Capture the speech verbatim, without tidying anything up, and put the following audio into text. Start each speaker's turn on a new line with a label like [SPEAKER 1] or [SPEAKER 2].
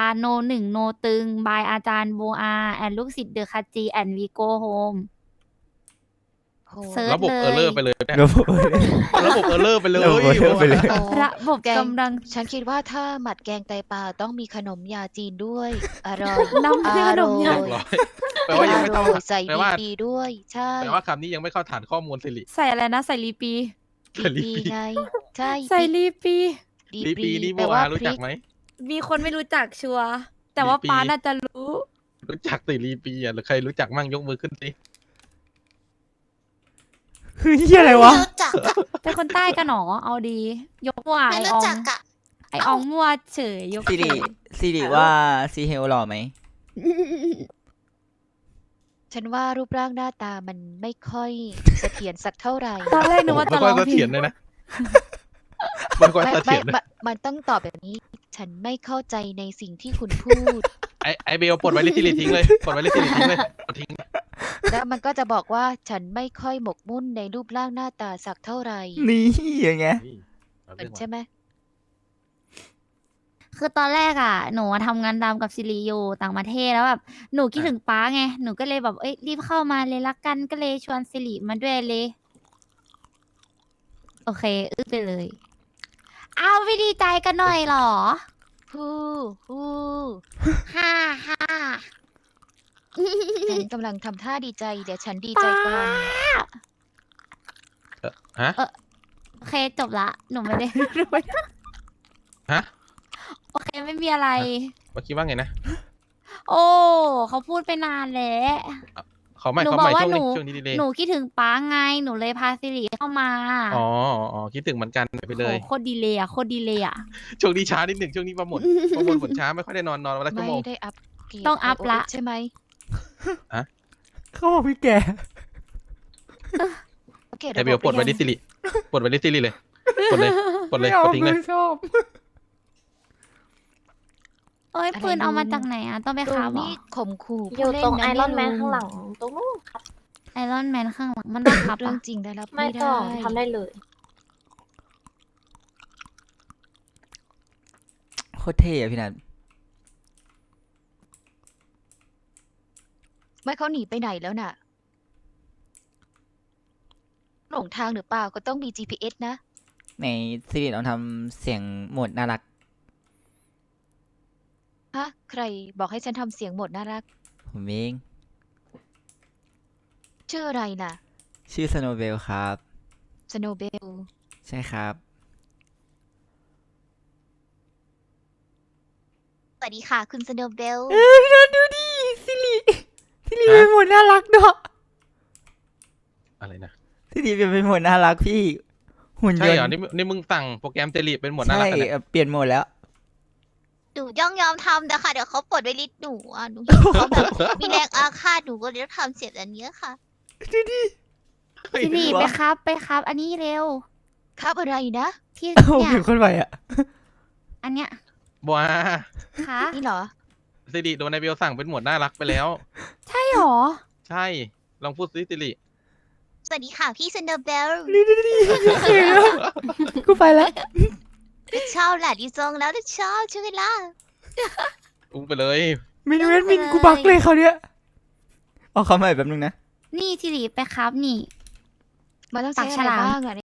[SPEAKER 1] โนหนึ่งโนตึงบายอาจารย์โบอาแอนลูกศิษย์เดอะคัจจีแอนวีโกโฮม
[SPEAKER 2] โห
[SPEAKER 1] เซิร์ช
[SPEAKER 3] ระบบ
[SPEAKER 1] เล
[SPEAKER 3] เออร์เลอร์
[SPEAKER 1] ย
[SPEAKER 3] ไปเลยเนี่ย
[SPEAKER 4] ระบบ
[SPEAKER 3] ระบบเออร์เลอร์ไปเลย
[SPEAKER 4] ระบบ error ไปเลย
[SPEAKER 2] โอ้
[SPEAKER 1] ระบบ
[SPEAKER 2] แกง
[SPEAKER 1] กำลัง
[SPEAKER 2] ฉันคิดว่าถ้าหมัดแกงไตปลาต้องมีขนมยาจีนด้วย อร่อย
[SPEAKER 1] น้ำ
[SPEAKER 2] อ
[SPEAKER 1] ขน
[SPEAKER 2] ร่
[SPEAKER 1] ม
[SPEAKER 2] อย
[SPEAKER 1] ยา
[SPEAKER 3] เรียบร้อยแปลว่ายังไม่เข้า
[SPEAKER 2] อร่อยใส่
[SPEAKER 3] แปลว่า
[SPEAKER 2] ดีๆด้วย ใช่
[SPEAKER 3] แปลว่าคำนี้ยังไม่เข้าฐานข้อมูลสิริ
[SPEAKER 1] ใส่อะไรนะ ใส่ลีปี
[SPEAKER 3] ใส่ลี
[SPEAKER 2] ดี
[SPEAKER 3] ปี
[SPEAKER 2] ไง ใช่
[SPEAKER 1] ใส่ลีปี
[SPEAKER 2] ดี
[SPEAKER 3] ลี
[SPEAKER 2] ป
[SPEAKER 3] ปี
[SPEAKER 2] รี
[SPEAKER 3] นี่โบ
[SPEAKER 2] แปลว่า
[SPEAKER 3] อารู้
[SPEAKER 2] พริ
[SPEAKER 3] จัก
[SPEAKER 2] ก
[SPEAKER 3] ไหม
[SPEAKER 1] มีคนไม่รู้จักชัวร์แต่ว่า
[SPEAKER 3] ลีปี
[SPEAKER 1] ป้าน่าจะรู้
[SPEAKER 3] รู้จักสิลีปีอ่ะหรือใครรู้จักมั่งยกมือขึ้นสิ
[SPEAKER 4] คือเฮียอะไรวะ
[SPEAKER 5] ไม่รู้จักอะ
[SPEAKER 1] เป็นคนใต้กันหนอเอาดี ยกมั่ว
[SPEAKER 5] ไม่
[SPEAKER 1] ไออ
[SPEAKER 5] รู้
[SPEAKER 1] อง
[SPEAKER 5] จักอะ
[SPEAKER 1] ไออองมั่วเฉยยก
[SPEAKER 4] สิริ
[SPEAKER 1] เฉย
[SPEAKER 4] สิริว่าซีเฮลหล่อไหม
[SPEAKER 2] ฉันว่ารูปร่างหน้าตามันไม่ค่อยเสถียรสักเท่าไหร่
[SPEAKER 1] ตอนแรกนึกว่าจะ
[SPEAKER 3] ไม่
[SPEAKER 1] ร้
[SPEAKER 3] ค่
[SPEAKER 1] อ
[SPEAKER 3] อย
[SPEAKER 1] ง
[SPEAKER 3] เส
[SPEAKER 1] ผิ
[SPEAKER 3] ถีย
[SPEAKER 1] ด
[SPEAKER 3] รเลยนะไม่ค่อย
[SPEAKER 2] ไม่
[SPEAKER 3] เส
[SPEAKER 2] ไม่
[SPEAKER 3] ถียรเลย
[SPEAKER 2] มันมันต้องตอบแบบนี้ ฉันไม่เข้าใจในสิ่งที่คุณพูด
[SPEAKER 3] ไอไอเบลปลดไว้ลิสิริทิ้งเลยปลดไว้ลิสิริทิ้งเลยปลดทิ้ง
[SPEAKER 2] แล้วมันก็จะบอกว่าฉันไม่ค่อยหมกมุ่นในรูปร่างหน้าตาสักเท่าไหร่
[SPEAKER 4] นี่อย่างเงี้ย
[SPEAKER 3] นี่เอา
[SPEAKER 2] เหมื
[SPEAKER 3] เรื่
[SPEAKER 2] อ
[SPEAKER 3] อน ง
[SPEAKER 2] ใช่ไหม
[SPEAKER 1] คือตอนแรกอ่ะ หนูอะทำงานตามกับซิริอยู่ต่างประเทศแล้วแบบหนูคิดถึงป้าไง หนูก็เลยแบบเอ้ยรีบเข้ามาเลยละกันก็เลยชวนซิริมาด้วยเลย โอเค อึ้งไปเลย เอาไม่ดีใจกันหน่อยเหรอ
[SPEAKER 2] ฮู้ฮู้
[SPEAKER 1] ฮ่าฮ่า
[SPEAKER 2] ฉันกำลังทำท่าดีใจ เดี๋ยวฉันดีใจก่อน
[SPEAKER 3] ฮะ
[SPEAKER 1] โอเคจบละ หนูไม่ได้ หนูไม่ได้
[SPEAKER 3] ฮะ
[SPEAKER 1] โอเคไม่มีอะไร
[SPEAKER 3] เมื่อกี้ว่าไงนะ
[SPEAKER 1] โอ้เขาพูดไปนานแล้ว
[SPEAKER 3] เขาไม่
[SPEAKER 1] หนู
[SPEAKER 3] เขา
[SPEAKER 1] บอ
[SPEAKER 3] ไม่
[SPEAKER 1] กว่า
[SPEAKER 3] ช่วง
[SPEAKER 1] หนู
[SPEAKER 3] นี้ช่วงนี้ดีเลย
[SPEAKER 1] หนูคิดถึงป้าไง หนูเลยพาซิริเข้ามา
[SPEAKER 3] อ๋ออ๋อคิดถึงเหมือนกันไปเลย
[SPEAKER 1] โหโคตรดีเลยอ่ะโคตรดีเลยอ่ะ
[SPEAKER 3] ช่วงนี้ช้านิดหนึ่งช่วงนี้ประมวลประมวลผลช้าไม่ค่อยได้นอนนอนวันละชั่ว
[SPEAKER 2] ไม่
[SPEAKER 3] โมง
[SPEAKER 2] ได้อัพเกรด
[SPEAKER 1] ต้องอัพละ
[SPEAKER 2] ไอโอเอสใช่ไหม
[SPEAKER 4] เขาบอกพี่แก
[SPEAKER 2] อัปเกรด
[SPEAKER 3] ไอเบลปลดไว้ลิสิริปลดไว้ลิสิริเลยปลดเลยปลดเลย
[SPEAKER 4] ไม่
[SPEAKER 3] ปล
[SPEAKER 4] เอา
[SPEAKER 3] ดทิ้งเลย
[SPEAKER 4] ไม่ชอบ
[SPEAKER 1] เอ้ยปืนเอามาจากไหนอ่ะ ต้องไป
[SPEAKER 2] ตร
[SPEAKER 1] คาง บเหรอ
[SPEAKER 2] นี้ข่มขู่
[SPEAKER 5] อ
[SPEAKER 2] ผู้
[SPEAKER 5] ยู่
[SPEAKER 2] เล่น
[SPEAKER 5] ตรง
[SPEAKER 2] นะ
[SPEAKER 5] ไอรอนแมน
[SPEAKER 2] ลุ
[SPEAKER 5] ข้างหลังตรงนู้นครับ
[SPEAKER 1] ไอรอนแมนข้างหลังมันต้องคับ
[SPEAKER 2] เรื่อ
[SPEAKER 1] อ่ะ
[SPEAKER 2] งจริงได้รับ
[SPEAKER 5] ไม่
[SPEAKER 2] ไม่
[SPEAKER 5] ต้
[SPEAKER 2] ได้
[SPEAKER 5] องทำได้เลย
[SPEAKER 4] โคตรเท่อะพี่นัท
[SPEAKER 2] ไม่เขาหนีไปไหนแล้วน่ะ หลงทางหรือเปล่าก็ต้องมี จี พี เอส นะ
[SPEAKER 4] ในสิริลองทำเสียงโหมดน่ารัก
[SPEAKER 2] ฮะ ใครบอกให้ฉันทำเสียงหมดน่ารัก
[SPEAKER 4] ผมเอง
[SPEAKER 2] ชื่ออะไรน่ะ
[SPEAKER 4] ชื่อสโนเบลครับ
[SPEAKER 2] สโนเบล
[SPEAKER 4] ใช่ครับ
[SPEAKER 5] สวัสดีค่ะ คุณสโนเบล
[SPEAKER 4] เออพี่นัทดูดิสิริสิริเป็นโหมดน่ารักเนาะ
[SPEAKER 3] อะไรนะ
[SPEAKER 4] สิริเป็นโหมดน่ารักพี่หุ่นย
[SPEAKER 3] ใช่
[SPEAKER 4] น
[SPEAKER 3] เหรอ
[SPEAKER 4] ต์
[SPEAKER 3] นี่นี่มึงสั่งโปรแกรมเจลีเป็นหมวดน่า
[SPEAKER 4] ใช่
[SPEAKER 3] รักกันเนี่ย
[SPEAKER 4] เอ่อเปลี่ยนโหมดแล้ว
[SPEAKER 5] หนูย่องยอมทำนะคะเดี๋ยวเขาปลดไว้ลิสต์หนูอ่ะหนูเห็นเขาแบบมีแรงอาฆาตหนูก็เลยต้องทำเสียงอันเนี้ยค่ะ
[SPEAKER 4] ดูดิ
[SPEAKER 1] ซิริไปครับไปครับ อันนี้เร็ว
[SPEAKER 2] ครับอะไรนะ
[SPEAKER 1] ที่
[SPEAKER 4] โอ้โห
[SPEAKER 1] เนี่ย
[SPEAKER 4] ผิวคนไหวอะ
[SPEAKER 1] อันเนี้ย
[SPEAKER 3] บัว
[SPEAKER 1] คะ
[SPEAKER 2] นี่เหรอ
[SPEAKER 3] สิริโดนไอเบลสั่งเป็นหมวดน่ารักไปแล้ว
[SPEAKER 1] ใช่หรอ
[SPEAKER 3] ใช่ลองพูดซิสิริ
[SPEAKER 5] สวัสดีค่ะพี่สโนเบล
[SPEAKER 4] ดูดิดูดิเขินอะกูไปแล้ว
[SPEAKER 5] ชอบแหละดีทรงแล้วชอบใช่ไหมล่ะ
[SPEAKER 3] อุ้งไปเลย
[SPEAKER 4] มินเวนมินกูบักเลยเขาวเนี้ยเอาเขาใหม่แป๊บนึงนะ
[SPEAKER 1] นี่ซิริไปครับนี่
[SPEAKER 2] มันต้อง
[SPEAKER 1] ปา
[SPEAKER 2] ใช้
[SPEAKER 1] กฉ
[SPEAKER 2] อะไร
[SPEAKER 1] ลาม
[SPEAKER 2] บ้างอะ